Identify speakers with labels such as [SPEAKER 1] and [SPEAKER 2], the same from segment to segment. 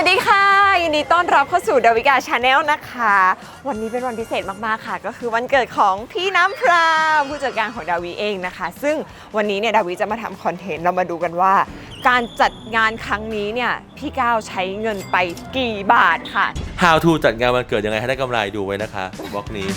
[SPEAKER 1] วัสดีค่ะยินดีต้อนรับเข้าสู่ดาวิกาชาแนลนะคะวันนี้เป็นวันพิเศษมากๆค่ะก็คือวันเกิดของพี่น้ำพราวผู้จัดการของดาวิเองนะคะซึ่งวันนี้เนี่ยดาวิจะมาทำคอนเทนต์เรามาดูกันว่าการจัดงานครั้งนี้เนี่ยพี่ก้าวใช้เงินไปกี่บาทค่ะ
[SPEAKER 2] How to จัดงานวันเกิดยังไงให้ได้กำไรดูไว้นะคะบล็อกนี้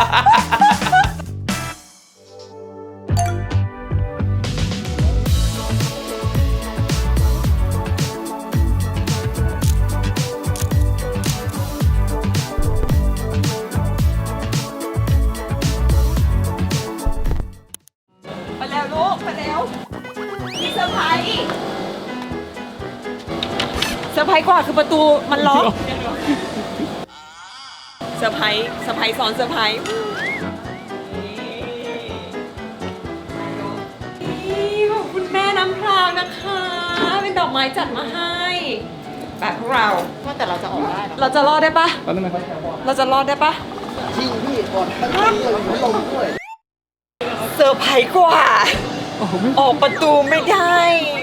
[SPEAKER 1] มาแล้วลูกมาแล้วมีเซอร์ไพรส์กว่าคือประตูมันล็อกเซอร์ไพรส์ซ้อนเซอร์ไพรส์นี่ขอบคุณแม่น้ำพราวนะคะเป็นดอกไม้จัดมาให้แบบพวกเราว่าแต่เราจะออกได้เราจะรอดได้ปะเราจะรอดได้ปะจริงพี่อดทั้งเลยไม่ลงด้วยเซอร์ไพรส์กว่าออกประตูไม่ได้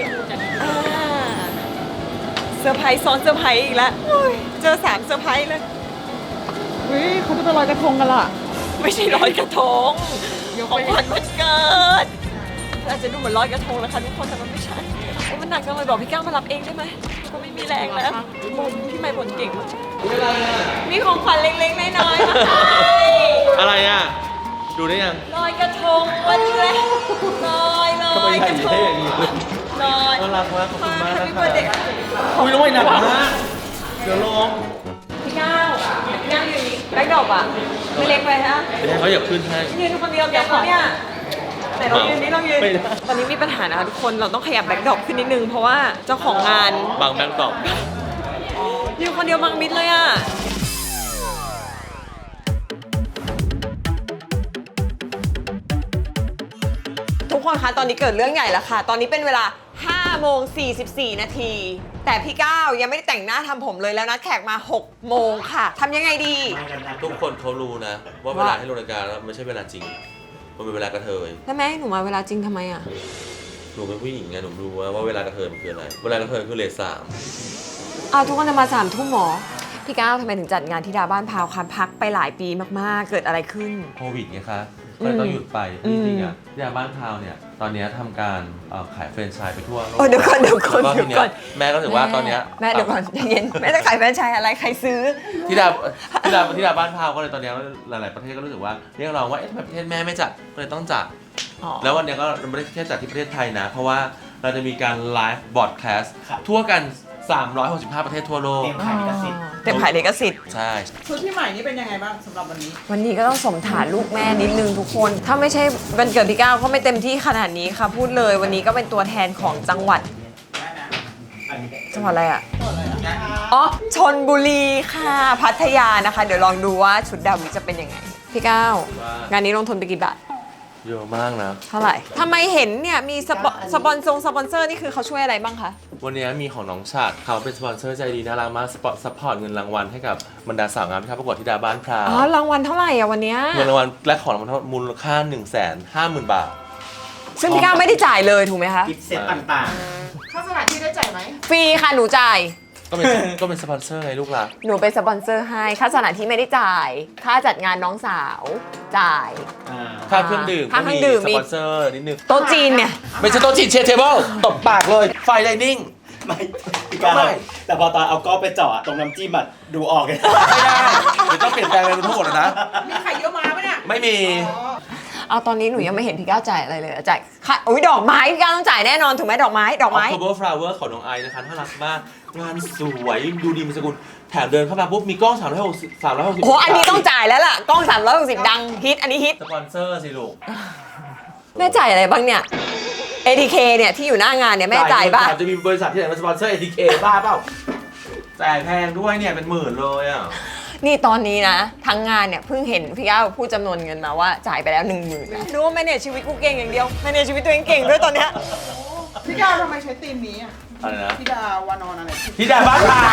[SPEAKER 1] เซอร์ไพรส์ซ้อนเซอร์ไพรส์อีกแล้วเจอ3เซอร์ไพรส์เลย
[SPEAKER 3] เขาจะไปลอยกระทงกันล่ะ
[SPEAKER 1] ไม่ใช่ลอยกระทงของขวัญวันเกิดอาจจะดูเหมือนลอยกระทงนะคะทุกคนแต่มันไม่ใช่มันหนักจังเลยบอกพี่ก้าวมารับเองได้ไหมก็ไม่มีแรงแล้วบ่นพี่ใหม่บ่นเก่งมีของขวัญเล็กๆน้อยๆมาให้
[SPEAKER 2] อะไรอ่ะ ดูได้ยัง
[SPEAKER 1] ลอยกระทงวันแรกลอยกระทงลอย
[SPEAKER 2] น่ารักมากขอบคุณมากนะคะ
[SPEAKER 1] เด็ก
[SPEAKER 2] อุ้ยลอยหนักมากเดี๋ยวลง
[SPEAKER 1] พี่ก้าวอยู่นี่แบ็คดรอปอ่ะไม่เล็กไปฮะ
[SPEAKER 2] ไม่ได้เขาอยากขึ้นให้
[SPEAKER 1] ยืนคนเดียวเดี๋ยวเขาเนี่ยแต่เรายืนนี่เรายืน
[SPEAKER 2] ไม่ได้
[SPEAKER 1] ตอนนี้มีปัญหานะคะทุกคนเราต้องขยับแบ็คดรอปขึ้นนิดนึงเพราะว่าเจ้าของงาน
[SPEAKER 2] บางแบงค์ตอบ
[SPEAKER 1] ยืนคนเดียวบังมิดเลยอ่ะทุกคนคะตอนนี้เกิดเรื่องใหญ่แล้วค่ะตอนนี้เป็นเวลา5 โมง 44 นาทีแต่พี่ก้าวยังไม่ได้แต่งหน้าทำผมเลยแล้วนัดแขกมา6 โมงค่ะทำยังไงดี
[SPEAKER 2] ทุกคนเขารู้นะ ว่าเวลาให้ลงรายการแล้วไม่ใช่เวลาจริง มันเป็นเวลากระเทย
[SPEAKER 1] แล้วแม่ให้หนูมาเวลาจริงทำไมอ่ะ
[SPEAKER 2] หนูเป็นผู้หญิงไงหนูรู้ว่าเวลากระเทยมันคืออะไร เวลากระเทยคือเลท3
[SPEAKER 1] เอาทุกคนจะมา3 ทุ่มหมอพี่ก้าวทำไมถึงจัดงานที่ดาบ้านพาวคันพักไปหลายปีมากๆเกิดอะไรขึ้น
[SPEAKER 2] โควิดไงคะก็เลยต้องหยุดไปจริงๆอ่ะที่บ้านพาวเนี่ย ตอนนี้ทำการขายแฟรนไชส์ไปทั่วโลก
[SPEAKER 1] เดี๋ยวก่อน
[SPEAKER 2] แล้วก็ทีเนี้ยแม่ก็ถือว่าตอนเนี้ย
[SPEAKER 1] แม่เดี๋ยวก่อนใจเย็นแม่จะขายแฟรนไชส์อะไรใครซื้อ
[SPEAKER 2] ที่ดาบ้านพาวก็เลยตอนนี้หลายๆประเทศก็รู้สึกว่าเรียกร้องว่าทำไมประเทศแม่ไม่จัดก็เลยต้องจัดแล้ววันนี้ก็ไม่ได้แค่จัดที่ประเทศไทยนะเพราะว่าเราจะมีการไลฟ์บอร์ดแคสต์ทั่วกัน365 ประเทศทั่วโลก
[SPEAKER 3] เต็มขายลิขสิทธิ์
[SPEAKER 1] เต็มขายลิขสิทธิ์
[SPEAKER 2] ใช่
[SPEAKER 3] ชุดพี่ใหม่นี่เป็นยังไงบ้างสำหรับวันนี้
[SPEAKER 1] วันนี้ก็ต้องสมฐานลูกแม่นิดนึงทุกคน ถ้าไม่ใช่วันเกิดพี่ก้าวก็ไม่เต็มที่ขนาดนี้ค่ะพูดเลยวันนี้ก็เป็นตัวแทนของจังหวัดจังหวัดอะไรอ่ะอ๋อชลบุรีค่ะพัทยานะคะ เดี๋ยวลองดูว่าชุดดาวิจะเป็นยังไงพี่ก้าวงานนี้ลงทุนไปกี่บาท
[SPEAKER 2] เยอะมากนะ
[SPEAKER 1] เท่าไหร่ทำไมเห็นเนี่ยมีสปอนเซอร์นี่คือเขาช่วยอะไรบ้างคะ
[SPEAKER 2] วันนี้มีของน้องชาติเขาเป็นสปอนเซอร์ใจดีน่ารักมากซัพพอร์ตเงินรางวัลให้กับบรรดาสาวงามที่เข้าประกวดที่ดาบ้านพราว
[SPEAKER 1] อ๋อรางวัลเท่าไหร่อ่ะวันเนี้ย
[SPEAKER 2] เงินรางวัลและของรางวัลทั้งหมดมูลค่า 150,000 บาท
[SPEAKER 1] ซึ่งพี่ก้าวไม่ได้จ่ายเลยถูกไหมคะ
[SPEAKER 3] กิฟต์เซ็ตต่าง
[SPEAKER 4] ค่าสถานที่ได้จ่ายไหม
[SPEAKER 1] ฟรีค่ะหนูจ่าย
[SPEAKER 2] ก็เป็นสปอนเซอร์ไงลูกหล่ะ
[SPEAKER 1] หนูเป็นสปอนเซอร์ให้ค่าสถานที่ไม่ได้จ่าย ค่าจัดงานน้องสาวจ่าย
[SPEAKER 2] ค่าเครื่องดื่ม
[SPEAKER 1] ค่า
[SPEAKER 2] ก็
[SPEAKER 1] เครื่
[SPEAKER 2] มี
[SPEAKER 1] องดื่ม
[SPEAKER 2] สปอนเซอร์นิดนึง
[SPEAKER 1] โต๊ะจีนเนี่ย
[SPEAKER 2] ไม่ใช่โต๊ะจีนเชฟเทเบิลตบปากเลยไฟไลนิ่ง
[SPEAKER 3] ๆ ไม่พี่ก้าว
[SPEAKER 2] ไม่
[SPEAKER 3] แต่พอตอนเอาก้อนไปเจาะตรงน้ำจิ้มอะดูออกเลย
[SPEAKER 2] ไม่ได้เดี๋ยวต้องเปลี่ยนแปลงอะไรทั้งหมดแล้วนะ
[SPEAKER 4] มีไข่เยอะมาปะเนี่ย
[SPEAKER 2] ไม่มี
[SPEAKER 1] เอาตอนนี้หนูยังไม่เห็นพี่ก้าวจ่ายอะไรเลยจ่ายค่ะอุ้ยดอกไม้พี่ก้าวต้องจ่ายแน่นอนถูกไหมดอกไม้
[SPEAKER 2] October Flower ของน้องไอซ์นะคะน่ารักมาก งานสวยดูดีมีสกุลแถมเดินเข้ามาปุ๊บมีกล้อง360
[SPEAKER 1] โอ้โหอันนี้ต้องจ่ายแล้วล่ะกล้อง360ดังฮิตอันนี้ฮิต
[SPEAKER 2] สปอนเซอร์สิลูก
[SPEAKER 1] แม่จ่ายอะไรบ้างเนี่ย ATK เนี่ยที่อยู่หน้างานเนี่ยแม่จ่ายป่ะ
[SPEAKER 2] จะมีบริษัทที่ไหนมาสปอนเซอร์ ATK บ้าเปล่าจ่ายแพงด้วยเนี่ยเป็นหมื่นเลยอ่ะ
[SPEAKER 1] นี่ตอนนี้นะทั้งงานเนี่ยเพิ่งเห็นพี่ก้าวพูดจำนวนเงินมาว่าจ่ายไปแล้ว 10,000นะรู้ว่าแม่เนี่ยชีวิตกูเก่งอย่างเดียวแม่เนี่ยชีวิตตัวเองเก่งด้วยตอนเนี้ย
[SPEAKER 4] พี่ดาวทำไมใช้ธีมนี้อ่ะ
[SPEAKER 2] อะไรนะ
[SPEAKER 4] พี่ดาวานอนอะไร
[SPEAKER 2] ที่ดาบ้านพาว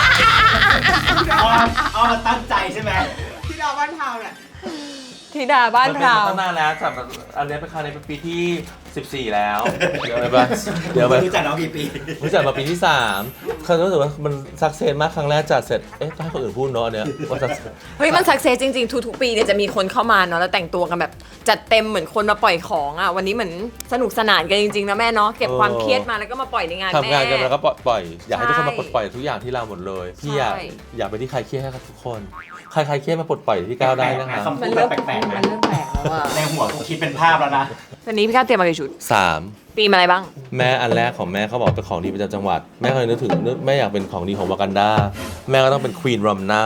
[SPEAKER 3] เอามาตั้งใจใช่ไหม
[SPEAKER 4] พี่ดาวบ้านเทาเนี่ย
[SPEAKER 1] ธิดาบ้านพราว
[SPEAKER 2] ตั้งนานแล้วแต่อันนี้เป็นครั้งนี้เป็นปีที่ 14 แล้วเดี๋ยวไปปะเดี๋ยวไป
[SPEAKER 3] รู้จักน้องกี่ปี
[SPEAKER 2] รู้จักมาปีที่3เขารู้สึกว่ามันสักเซนมากครั้งแรกจัดเสร็จต้องให้คนอื่นพูดเนาะเนี่ยว่าสักเซน
[SPEAKER 1] เฮ้ยมันสักเซสจริงๆทุกๆปีเนี่ยจะมีคนเข้ามาเนาะแล้วแต่งตัวกันแบบจัดเต็มเหมือนคนมาปล่อยของอ่ะวันนี้เหมือนสนุกสนานกันจริงๆนะแม่เนาะเก็บความเครียดมาแล้วก็มาปล่อยในงานแม่
[SPEAKER 2] ทำงานกันแล้วก็ปล่อยอยากให้ทุกคนมา
[SPEAKER 1] ใช่
[SPEAKER 2] ปลดปล่อยทุกอย่างที่เราหมดเลยพี่
[SPEAKER 1] ใช่
[SPEAKER 2] อยากไปที่ใครเครียดให้กับทุกคนใครเครียดมาปลดปล่อยที่ก้าวได้นะคะ
[SPEAKER 3] คำพู
[SPEAKER 1] มัน
[SPEAKER 3] ด
[SPEAKER 1] เริ่ม
[SPEAKER 3] แปลกๆ
[SPEAKER 1] มั
[SPEAKER 3] นะ
[SPEAKER 1] นเริ่มแปลกแล้วอ่ะ
[SPEAKER 3] ในหัวกูคิดเป็นภาพแล้วนะ
[SPEAKER 1] วันนี้พี่ก้าวเตรียมมากี่ชุด
[SPEAKER 2] 3
[SPEAKER 1] ตีมอะไรบ้าง
[SPEAKER 2] แม่อันแรกของแม่เขาบอกเป็นของดีประจำจังหวัดแม่เคยนึกถึงแม่อยากเป็นของดีของวากันดาแม่ก็ต้องเป็นควีนรัมนา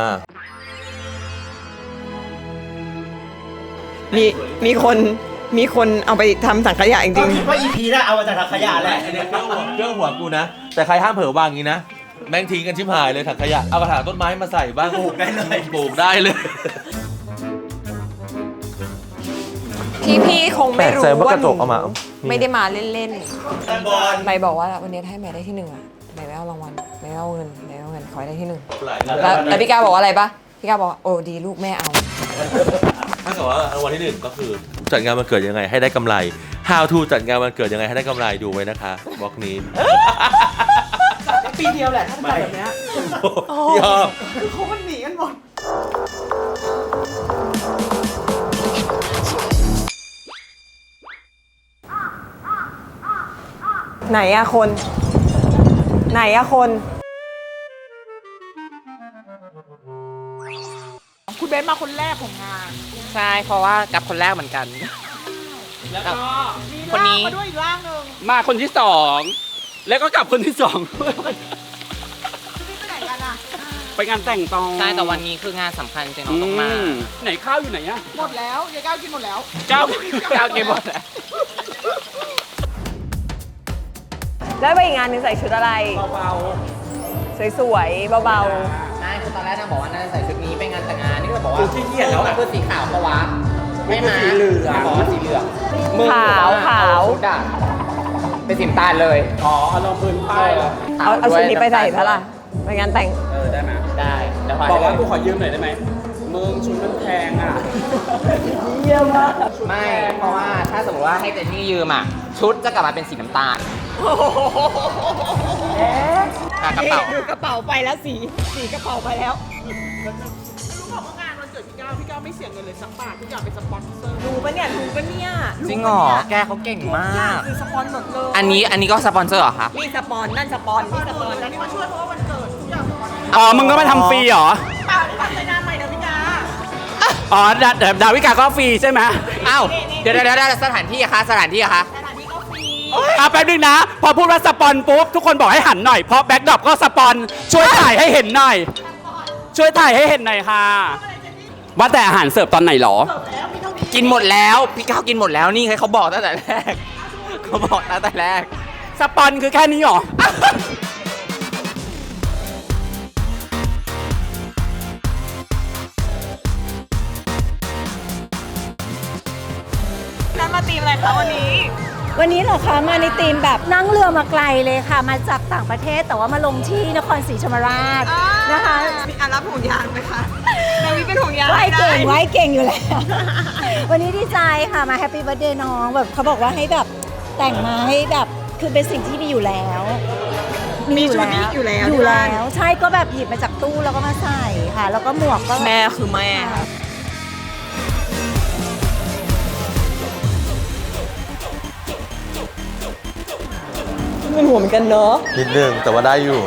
[SPEAKER 1] มีคนเอาไปทำสังขยะจ
[SPEAKER 3] ก็
[SPEAKER 1] ริง
[SPEAKER 3] คิดว่า EP น่ะเอามาจากถังขยะแหละ
[SPEAKER 2] เรื่องหัวกูนะ แต่ใครห้ามเผลอวางอย่างนี้นะแม่งทิ้งกันชิบหายเลยถังขยะเอากระถางต้นไม้มาใส่บ้าง
[SPEAKER 3] ปลูกได้เลย
[SPEAKER 2] ปลูกได้เลย
[SPEAKER 1] พี่คงไม่รู้
[SPEAKER 2] แปลกใจว่าก
[SPEAKER 1] ว่า
[SPEAKER 2] ระจกเอามา
[SPEAKER 1] ไม่ได้มาเล่น
[SPEAKER 3] บอล
[SPEAKER 1] ๆใบบอกว่าวันนี้ให้แม่ได้ที่1อ่ะแม่ไม่เอารางวัลแม่ไม่เอาเงินแม่ไม่เอาเงินขอให้ได้ที่1แล้วพี่ก้าวบอกว่าอะไรปะพี่ก้าวบอกว่าโอ้ดีลูกแม่เอา
[SPEAKER 2] ถ้าเกิดว่ารางวัลที่ 1 ก็คือจัดงานวันเกิดยังไงให้ได้กำไร How to จัดงานวันเกิดยังไงให้ได้กำไรดูไว้นะคะบล็อกนี้
[SPEAKER 4] ปีเดียวแหละถ้าจัดแบบเนี้ย
[SPEAKER 2] ยอม
[SPEAKER 4] คือเขามันหนีกันหมด
[SPEAKER 1] ไหนอะคน
[SPEAKER 4] คุณเบนซ์มาคนแรกของงาน
[SPEAKER 5] ใช่ เพราะว่ากับคนแรกเหมือนกัน
[SPEAKER 4] แล้วก็มี
[SPEAKER 5] คนนี้
[SPEAKER 4] ร่างมาด้วยอีกร่างหนึ่ง
[SPEAKER 5] มาคนที่สองแล้วก็กลับคนที่สอง
[SPEAKER 4] นี่ไปไหนกันอ่ะ
[SPEAKER 5] ไปงานแต่งตอง
[SPEAKER 6] ใช่แต่วันนี้คืองานสำคัญจริงๆน้องต้องมา
[SPEAKER 5] ไหนข้าวอยู่ไหนอะ
[SPEAKER 4] หมดแล้วยายก้าวกินหมดแล้ว
[SPEAKER 5] เจ้าเจ้าเกมหมดแล้ว
[SPEAKER 1] แล้วไปอีกงานหนึงใส่ชุดอะไร
[SPEAKER 5] เบา
[SPEAKER 1] สวยๆเบา
[SPEAKER 6] ใช่คือตอนแรกนางบอกว่าน่าจะใส่ชุดนี้ไปงานแต่งงานนี่ก็บอกว่า
[SPEAKER 5] ๆขี้เกียจแล้วอะ
[SPEAKER 6] เพื่อสีขาวเพราะว่าไม่มา
[SPEAKER 5] สีเหลือง
[SPEAKER 6] บอกว่าสีเหลือง
[SPEAKER 1] ขาวขาว
[SPEAKER 6] ชุดอะเป็นสีน้ำตาลเลย
[SPEAKER 5] อ๋อเอาลงพื้นป้ายแล้ว
[SPEAKER 1] ๆเอาชุดนี้ไปใส่เท่าไหร่ไปงานแต่ง
[SPEAKER 5] ได้ไหม
[SPEAKER 6] ได้เดี๋ยวพา
[SPEAKER 5] บอกว่า
[SPEAKER 6] ไป
[SPEAKER 5] กูขอยืมหน่อยได้ไหมมึงชุดมันแพงอะ
[SPEAKER 6] ไม่เพราะว่าถ้าสมมติว่าให้เจนนี่ยืมอ่ะชุดจะกลับมาเป็นสีน้ำตาลกระเป๋า
[SPEAKER 1] ดูกระเป๋าไปแล้วสีกระเป๋าไปแล้ว
[SPEAKER 4] รู้บอกว่างานวันเกิดพี่ก้าวไม่เสียเงินเลยสักบาททุกอย่างเป็นสปอนเซอร์
[SPEAKER 1] ดูปะเนี่ยรู้ปะเนี่ย
[SPEAKER 6] จริงเหรอแกเขาเก่งมาก
[SPEAKER 4] คือสปอนหมดเลย
[SPEAKER 6] อันนี้ก็สปอนเซอร์เหรอคะ
[SPEAKER 1] นี่สปอนนั่นสปอนนี่สปอน
[SPEAKER 4] แล้วนี่มาช่วยเพราะว่าวันเกิดทุกอย่างสปอน
[SPEAKER 5] อ๋อมึงก็มาทำฟรีเหรอ
[SPEAKER 4] เปล่าที่ทำในนามใหม่เดี๋ยวพี่ก้า
[SPEAKER 5] อ๋อดาวิกาก็ฟรีใช่ไหม
[SPEAKER 6] อ้าวเดี๋ยวสถานที่อะคะสถานที่อะคะ
[SPEAKER 4] สถานที่ก็ฟรี
[SPEAKER 5] แป๊บนึงนะ พอพูดว่าสปอนปุ๊บทุกคนบอกให้หันหน่อยเพราะแบ็คดรอปก็สปอนช่วยถ่ายให้เห็นหน่อย ช่วยถ่ายให้เห็นหน่อยค่ะ ว่าแต่อาหารเสิร์ฟตอนไหนหรอ
[SPEAKER 6] กินหมดแล้วพี่ก้าวกินหมดแล้วนี่ไงเขาบอกตั้งแต่แรกเขาบอกตั้งแต่แรก
[SPEAKER 5] สปอนคือแค่นี้หรอ
[SPEAKER 1] นั่นมาตีมอะไรคะวันนี้
[SPEAKER 7] วันนี้เหรอคะมาในธีมแบบนั่งเรือมาไกลเลยค่ะ มาจากต่างประเทศแต่ว่ามาลงที่นครศรีธรรมราชนะคะ
[SPEAKER 1] มีอันรับห่วงยางไหมคะนาวิเป็นห่วงยาง
[SPEAKER 7] ไหวเก่ง
[SPEAKER 1] ด้
[SPEAKER 7] ไหวเก่งอยู่แล้ว วันนี้ดีใจค่ะมาแฮปปี้เบิร์ดเดย์น้องแบบเขาบอกว่าให้แบบแต่งมาให้แบบคือเป็นสิ่งที่มีอยู่แล้ว
[SPEAKER 1] มีชุดนี้อยู่แล้ว
[SPEAKER 7] อยู่แล้วใช่ก็แบบหยิบมาจากตู้แล้วก็มาใส่ค่ะ แล้วก็หมวกก็
[SPEAKER 1] แม่คือแม่ค่ะเป็นห่วงเหมือนกันเนอะ
[SPEAKER 2] นิดนึงแต่ว่าได้อยู่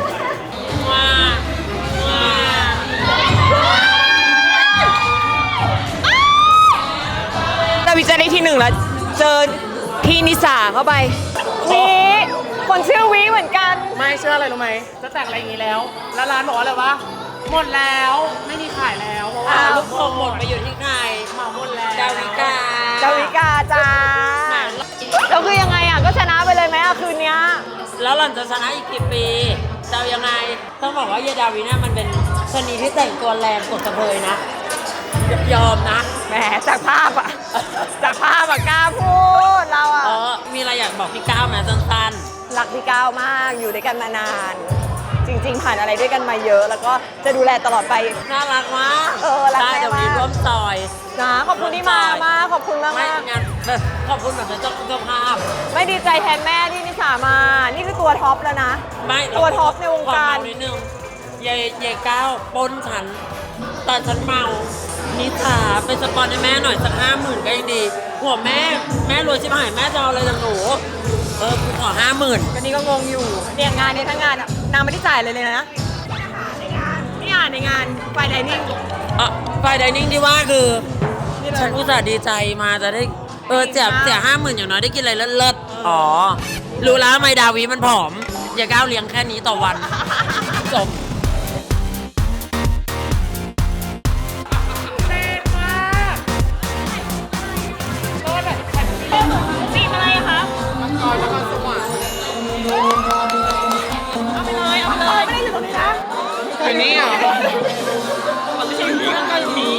[SPEAKER 1] นาวิจะได้ที่1แล้วเจอพี่นิสาเข้าไปวีคนชื่อวีเหมือนกัน
[SPEAKER 8] ไม่เชื่ออะไรรู้ไหมจะแต่งอะไรอย่างนี้แล้ว แล้วร้านบอกว่าอะไรวะ หมดแล้ว ไม่มีขายแล้วเพราะว่าลูกโป่งหมดไปอยู่ที่ใครเหมาหมดแล้วดาวิกา
[SPEAKER 1] ดาวิกาจ้าแล้วคือยังไงอ่ะ ก็ชนะไปเลยไหมอ่ะคืนเนี้ย
[SPEAKER 8] แล้วหล่อนจะชนะอีกกี่ปีจะเอายังไง ต้องบอกว่าเยดาวิน่ามันเป็นชนีที่แต่งตัวแรงกดกระเทยนะ ยอมนะ
[SPEAKER 1] แหมจากภาพอ่ะ จากภาพอ่ะกล้าพูดเราอ่ะ
[SPEAKER 8] มีอะไรอยากบอกพี่ก้าวไหมสั้น
[SPEAKER 1] รักพี่ก้าวมากอยู่ด้วยกันมานาน
[SPEAKER 8] ๆ
[SPEAKER 1] จริง ๆ ผ่านอะไรด้วยกันมาเยอะ แล้วก็จะดูแลตลอดไป
[SPEAKER 8] น่ารักมาก
[SPEAKER 1] รัก
[SPEAKER 8] ได้
[SPEAKER 1] แม่
[SPEAKER 8] เดี๋ยวนี้
[SPEAKER 1] มาก
[SPEAKER 8] ร่วมซอย
[SPEAKER 1] นะขอบคุณที่มาขอบคุณมาก
[SPEAKER 8] ไม่
[SPEAKER 1] มาก
[SPEAKER 8] งานขอบคุณแบบเจ้าภาพ
[SPEAKER 1] ไม่ดีใจแทนแม่ที่นิสามา นี่คือตัวท็อปแล้วนะ
[SPEAKER 8] ไม่
[SPEAKER 1] ตัวท็อปในวงการ
[SPEAKER 8] ขอเมนิดนึงยายก้าวปล้นฉัน ตอนฉันเมา นิสาเป็นสปอนให้แม่หน่อยสัก50,000ก็ยังดีหัวแม่รวยชิบหายแม่จะเอาอะไรจากหนูกูขอ50,000
[SPEAKER 1] ก็นี่ก็งงอยู่เนี่ยงานเนี่ยทั้งงานอะนางไม่ได้จ่ายเลยนะนี่อ่านในงานไฟไดนิ่ง
[SPEAKER 8] ไฟไดนิ่งที่ว่าคือ ฉันอุตส่าห์ดีใจมาจะได้เสีย50,000อย่างน้อยได้กินอะไรเลิศๆอ๋อ รู้แล้วทำไมดาวีมันผอม อย่าก้าวเลี้ยงแค่นี้ต่อวัน จบ
[SPEAKER 1] ปีอะไรครับเอาไปเลยไม่ได้ถึงตรงนี้นะ
[SPEAKER 6] ไปนี่อ่ะ
[SPEAKER 1] ไม่ใช่นี้ก็อยู่นี้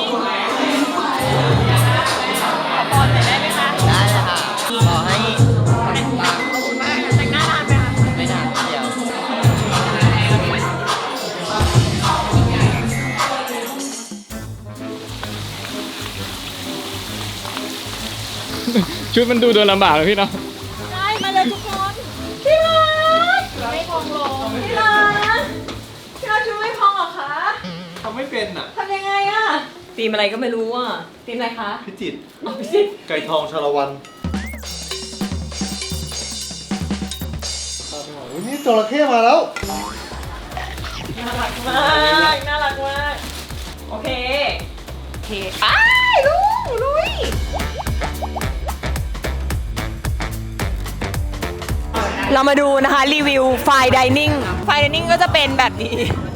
[SPEAKER 1] ขอพรหน่อยได้ไหมคะ
[SPEAKER 6] ได้เลยค่ะ ขอให้
[SPEAKER 1] ขอบคุณมากแต่งหน้านานไหมคะ
[SPEAKER 6] ไม่นานเดียว
[SPEAKER 5] ชุดมันดูเดินลำบากเลยพี่เนาะ
[SPEAKER 1] ได้มาเลยทุกคนพี่รักไม่พองลงพี่รักพี่รักชุดไม่พองเหรอคะ
[SPEAKER 3] ทำไม่เป็นอ่ะ
[SPEAKER 1] ทำยังไงอะตีมอะไรก็ไม่รู้อะตีมอะไรคะ
[SPEAKER 3] พิจิตร
[SPEAKER 1] พิจิตร
[SPEAKER 3] ไก่ทองชาละวันนี่จระเข้มาแล้ว
[SPEAKER 1] น่ารักมากน่ารักมากโอเคไปลุยเรามาดูนะคะรีวิวไฟไดนิ่งก็จะเป็นแบบนี้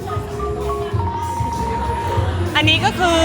[SPEAKER 1] อันนี้ก็คือ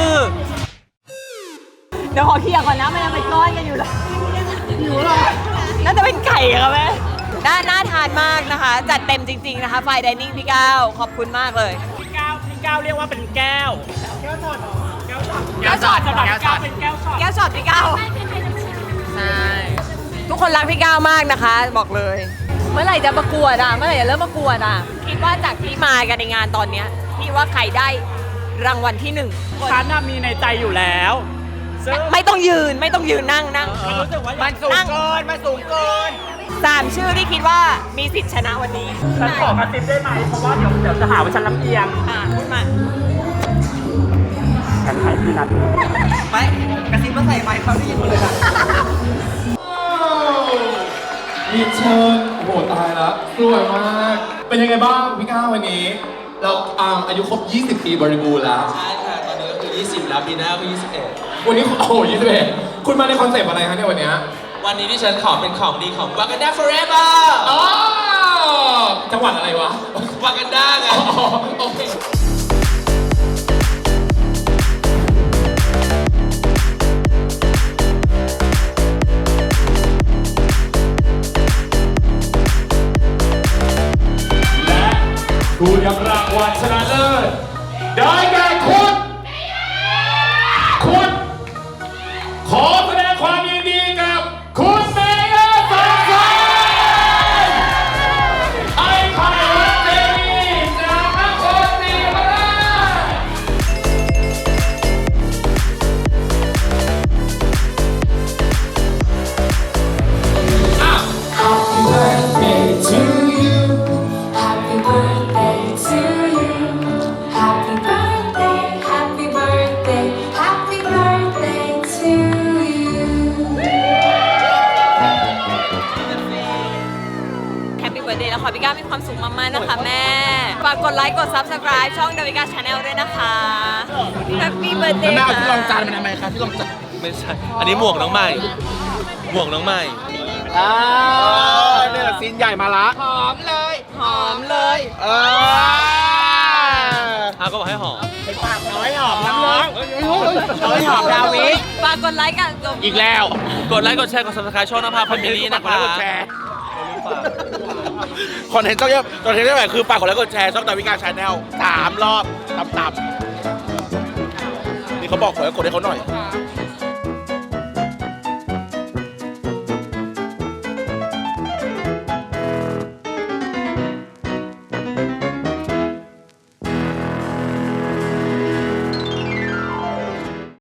[SPEAKER 1] เดี๋ยวขอเคลียร์ก่อนนะมันยังเป็นก้อนกันอยู่เลยอยู่หรอน่าจะเป็นไก่ค่ะแม่น่าทานมากนะคะ จัดเต็มจริงๆนะคะไฟไดนิ่งพี่ก้าวขอบคุณมากเลย
[SPEAKER 5] พี่ก้าวเรียกว่าเป็นแก้ว
[SPEAKER 1] แก้วช็อต
[SPEAKER 5] แก้วช็อตเป็นแก้วช็อต
[SPEAKER 1] แก้วช็อตพี่ก้าว
[SPEAKER 8] ใช่
[SPEAKER 1] ทุกคนรักพี่ก้าวมากนะคะ บอกเลย เมื่อไหร่จะประกวดอ่ะเมื่อไหร่จะเริ่มประกวดอ่ะคิดว่าจากที่มากันในงานตอนเนี้ยพี่ว่าใครได้รางวัลที่1
[SPEAKER 5] ฉันน่ะมีในใจอยู่แล้วซึ่ง
[SPEAKER 1] ไม่ต้องยืนนั่ง
[SPEAKER 5] มันรู้สึกว่า
[SPEAKER 6] มันสูงเกิน มันสูงเกิน
[SPEAKER 1] 3 ชื่อที่คิดว่ามีสิทธิ์ชนะวันนี้
[SPEAKER 5] ฉันขอกระซิบได้ไหมเพราะว่าเดี๋ยวจะหาว่าฉันลำเอียง
[SPEAKER 1] พูดมา
[SPEAKER 5] ฉันให้พี่นัท
[SPEAKER 6] ไม่กระซิบมาใส่ไมค์เขาได้ยินหมดเลยนะ
[SPEAKER 9] ยินเชิญโอ้โหตายแล้วสวยมาก เป็นยังไงบ้างพี่ก้าววันนี้ เราอายุครบ 20 ปีบริบูรณ์แล้ว
[SPEAKER 2] ใช่ค่ะ ตอนนี้ก็คือ 20 แล้วปีหน้าก็ 21
[SPEAKER 9] วันนี้โอ้โห 21 คุณมาในคอนเซปต์อะไรคะเนี่ยวันเนี้ย
[SPEAKER 2] วันนี้ที่ฉันขอเป็นของดีของ Wakanda Forever
[SPEAKER 9] อ๋อจังหวัดอะไรวะ
[SPEAKER 2] Wakanda ไง
[SPEAKER 9] อ๋อโอเค และผู้รับรางวัลชนะเลิศได้แก่คุณ ขอแสดงความยินดีกับคุณเมเยอร์สองคนไอ้ไข่วัดเจดีย์จากนครศรีธรรมราช Happy birthday to you
[SPEAKER 10] Happy birthday to you. Happy birthday, happy birthday, happy birthday to you.
[SPEAKER 1] แฮปปี้เบิร์ดเดย์แล้วขอพี่ก้าวมีความสุขมากๆนะคะแม่ ฝากกดไลค์กด Subscribe ช่องดาวิกาชาแนลด้วยนะคะแฮปปี้เบิร์ดเดย์
[SPEAKER 6] แม่เอาที่รองจานมาทำไมคะที่รองจาน
[SPEAKER 2] ไม่ใช่ อันนี้หมวกน้องใหม่ หมวกน้องใหม่
[SPEAKER 6] เนี่ยซีนใหญ่มาละหอมเลย
[SPEAKER 1] หอมเลย
[SPEAKER 2] ก็บอกให้หอม
[SPEAKER 6] น้อยหอมน้ำน้องน้อยหอมดาวิ
[SPEAKER 1] ฝากกดไลค์กัน
[SPEAKER 6] อีกแล้ว
[SPEAKER 2] กดไลค์ กดแชร์ กด subscribe ช่องนภาพันธ์มิลลี่นะคะ
[SPEAKER 6] กดแชร์คอนเทนต์ต้องเยอะคอนเทนต์ได้แบบคือฝากกดไลค์กดแชร์ช่องดาวิกาชาแนล3 รอบต่ำๆนี่เขาบอกขอให้กดให้เขาหน่อย